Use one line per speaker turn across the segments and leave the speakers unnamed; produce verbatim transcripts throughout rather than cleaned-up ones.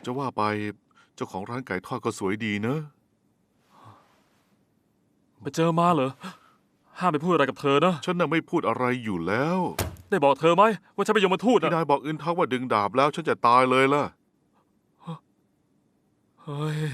จะว่าไปเจ้าของร้านไก่ทอดก็สวยดีนะ
ไปเจอมาเหรอห้ามไปพูดอะไรกับเธอนะ
ฉันน่ะไม่พูดอะไรอยู่แล้ว
ได้บอกเธอไหมว่าฉันเป็นยมทูต
ที่
นะ
นายบอกอึนทักว่าดึงดาบแล้วฉันจะตายเลยล่ะ
เฮ้ย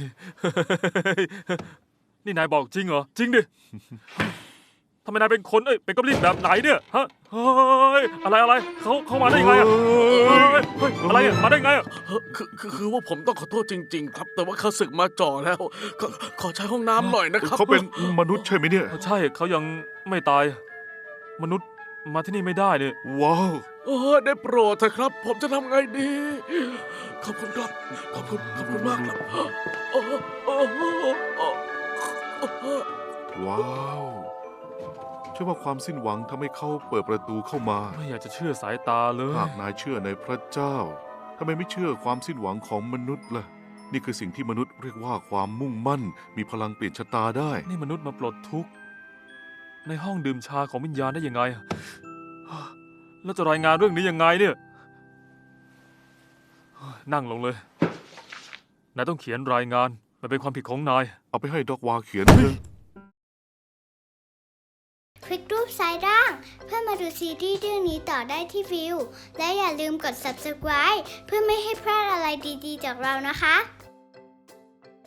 นี่นายบอกจริงเหรอจริงดิทำไมนายเป็นคนเอ้ยเป็นกอบลินแบบไหนเนี่ยฮะเฮ้ยอะไรอะไรเขาเขามาได้ยังไงอะเฮ้ยเฮ้ยอะไรอะมาได้ไงอะ
เอ่อคือคือคือว่าผมต้องขอโทษจริง ๆ ครับ แต่ว่าเขาศึกมาจ่อแล้วขอขอใช้ห้องน้ำหน่อยนะครับ
เขาเป็นมนุษย์ใช่ไหมเนี่ย
ใช่เขายังไม่ตาย มนุษย์มาที่นี่ไม่ได้เนี่ย
ว้าว
โอ้ได้โปรดเถอะครับ ผมจะทำไงดี ขอบคุณครับ ขอบคุณ ขอบคุณมากครับโอ้โหโอ้โหโอ้โห
ว้าวเชื่อว่าความสิ้นหวังทำให้เขาเปิดประตูเข้ามา
ไม่อยากจะเชื่อสายตาเลย
หากนายเชื่อในพระเจ้าทำไมไม่เชื่อความสิ้นหวังของมนุษย์ล่ะ นี่คือสิ่งที่มนุษย์เรียกว่าความมุ่งมั่น มีพลังเปลี่ยนชะตาได้
นี่มนุษย์มาปลดทุกข์ ในห้องดื่มชาของวิญญาณได้ยังไง แล้วจะรายงานเรื่องนี้ยังไงเนี่ยเฮ้ยนั่งลงเลย นายต้องเขียนรายงาน มันเป็นความผิดของนาย
เอาไปให้ด็อกวาเขียนเรื่อง
คลิกรูปซ้ายล่าง เพื่อมาดูซีรีส์เรื่องนี้ต่อได้ที่วิว และอย่าลืมกด ซับสไครบ์ เพื่อไม่ให้พลาดอะไรดีๆจากเรานะคะ